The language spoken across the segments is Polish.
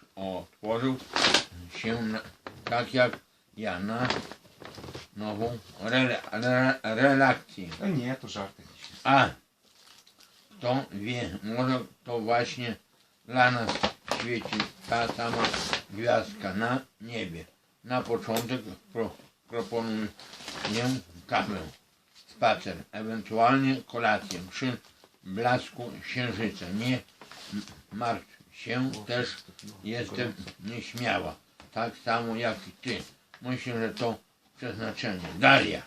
otworzył się tak jak ja na nową relację. No nie, to żart jakiś. A kto wie, może to właśnie dla nas świeci ta sama gwiazdka na niebie. Na początek proponuję kawę, spacer, ewentualnie kolację przy blasku księżyca. Nie martw się, też jestem nieśmiała, tak samo jak i ty. Myślę, że to przeznaczenie. Daria.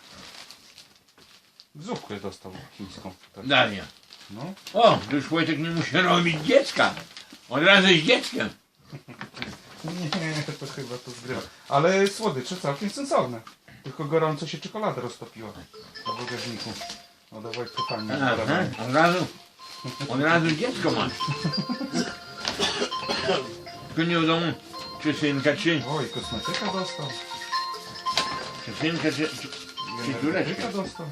Zupkę dostał chińską. Tak. Daria. No. O, to już Wojtek nie musi robić dziecka. Od razu z dzieckiem. Nie, to chyba to zgrywa. Ale słodycze całkiem sensowne. Tylko gorąco się czekolada roztopiła w bagażniku. No do Wojtka fajnie. Aha, od razu dziecko masz. Tylko nie wiadomo, czy synka, czy Oj, kosmetyka dostał. synka, czy córeczka. Kosmetyka dostał.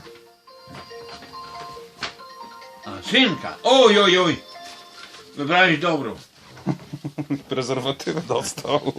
A, synka. Oj, oj, oj. Wybrałeś dobrą. Prezerwatywę dostał.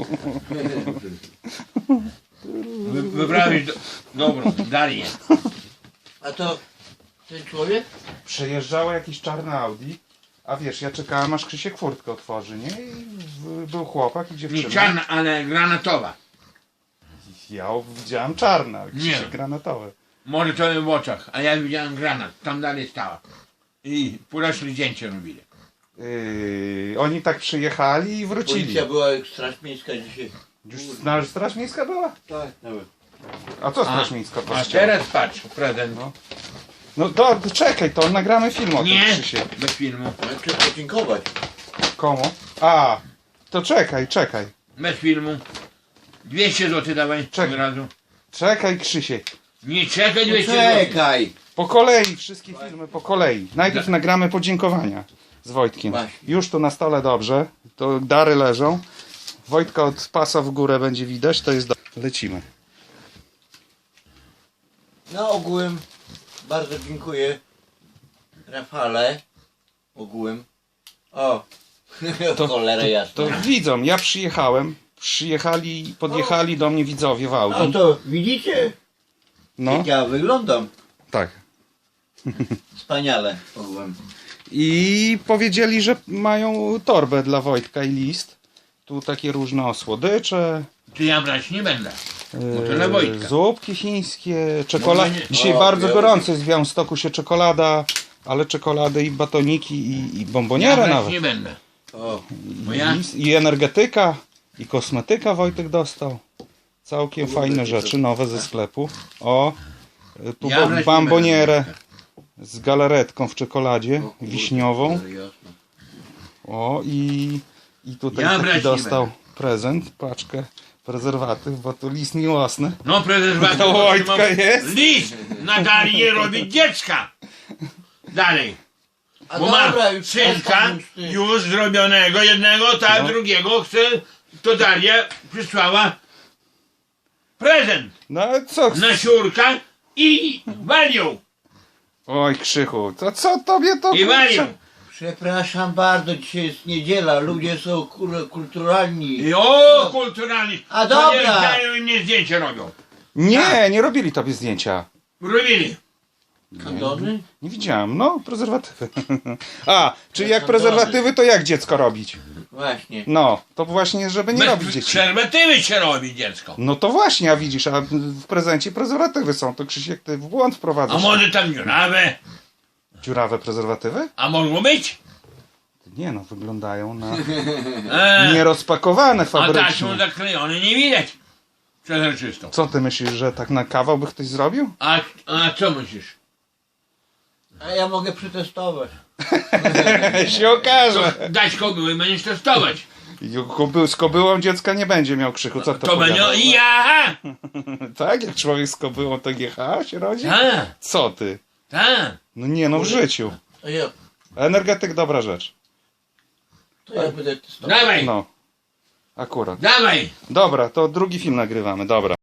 Wybrałeś dobrą. Darię. A to ten człowiek? Przejeżdżało jakieś czarne Audi. A wiesz, ja czekałem aż Krzysiek furtkę otworzy, nie? I był chłopak i Nie dziewczyna. czarna, ale granatowa. Ja widziałem czarne, a Krzysiek Nie. granatowe. Może to w oczach, a ja widziałem granat. Tam dalej stała. I poszli zdjęcie robili. Oni tak przyjechali i wrócili. Policja była jak straż miejska dzisiaj. Już Straż Miejska była? Tak, nawet. A co Straż Miejska A kościoła? teraz patrz, prezent. No to czekaj, to nagramy film o tym, Nie, Krzysiek. bez filmu. Ale trzeba podziękować. Komu? A, to czekaj. Bez filmu. 200 zł dawaj Czekaj. od razu. Czekaj, Krzysiek. Nie czekaj 200 zł. Czekaj! Po kolei, wszystkie filmy po kolei. Najpierw nagramy podziękowania z Wojtkiem. Właśnie. Już tu na stole dobrze. To dary leżą. Wojtka od pasa w górę będzie widać, to jest Lecimy. No ogółem bardzo dziękuję Rafale. Ogółem. O! Cholera jasna. To widzą, ja podjechali do mnie widzowie w Audi. A to widzicie? No, Jak ja wyglądam. tak. Wspaniale ogółem. I powiedzieli, że mają torbę dla Wojtka i list. Tu takie różne słodycze, Czy ja brać nie będę. Bo to dla Wojtka. zupki chińskie, czekolada. Może nie. Dzisiaj O, bardzo ja- gorąco jest w Białymstoku się czekolada, ale czekolady i batoniki i Ja bombonierę brać nawet. nie będę. O! Bo ja I energetyka, i kosmetyka Wojtek dostał. Całkiem fajne rzeczy, nowe ze sklepu. O, tu Ja brać nie bombonierę będę. z galaretką w czekoladzie, O kurde, wiśniową. cholera jasna. O, i tutaj Ja brać taki nie dostał będę. prezent, paczkę prezerwatyw, bo tu list miłosny. No prezes To Wojtka jest? List na Darię robić dziecka. Dalej. A Bo ma dobra, już synka przestań już ty. już zrobionego, jednego, tak, No. drugiego chce, to Daria przysłała prezent No ale co? na siurka i walią. Oj, Krzychu, to co tobie to... I walią. Przepraszam bardzo, dzisiaj jest niedziela, ludzie są kulturalni. I o, kulturalni. A To dobra. nie dają i mnie zdjęcie robią. Nie robili tobie zdjęcia. Robili. Kondony? Nie widziałem, no, prezerwatywy. A, czyli jak prezerwatywy, to jak dziecko robić? Właśnie. No, to właśnie, żeby nie robić Bez dzieci. przerwatywy się robi dziecko. No to właśnie, a widzisz, a w prezencie prezerwatywy są, to Krzysiek, ty w błąd A wprowadzasz. może tam dziurawe? Dziurawe prezerwatywy? A mogło być? Nie no, wyglądają na A, nierozpakowane a taśmą fabrycznie. zaklejone nie widać. Przezroczystą. Co ty myślisz, że tak na kawał by ktoś zrobił? A co myślisz? A ja mogę przetestować. się okaże. Dać kobyły i będziesz testować. Z kobyłą dziecka nie będzie miał, Krzychu, co to To będzie powiadasz? ja. Tak, jak człowiek z kobyłą to GH się rodzi? Tak, Co ty? tak. No nie no, w życiu. Energetyk dobra rzecz. To ja będę testował. Dawaj, No. Akurat. dawaj. Dobra, to drugi film nagrywamy, dobra.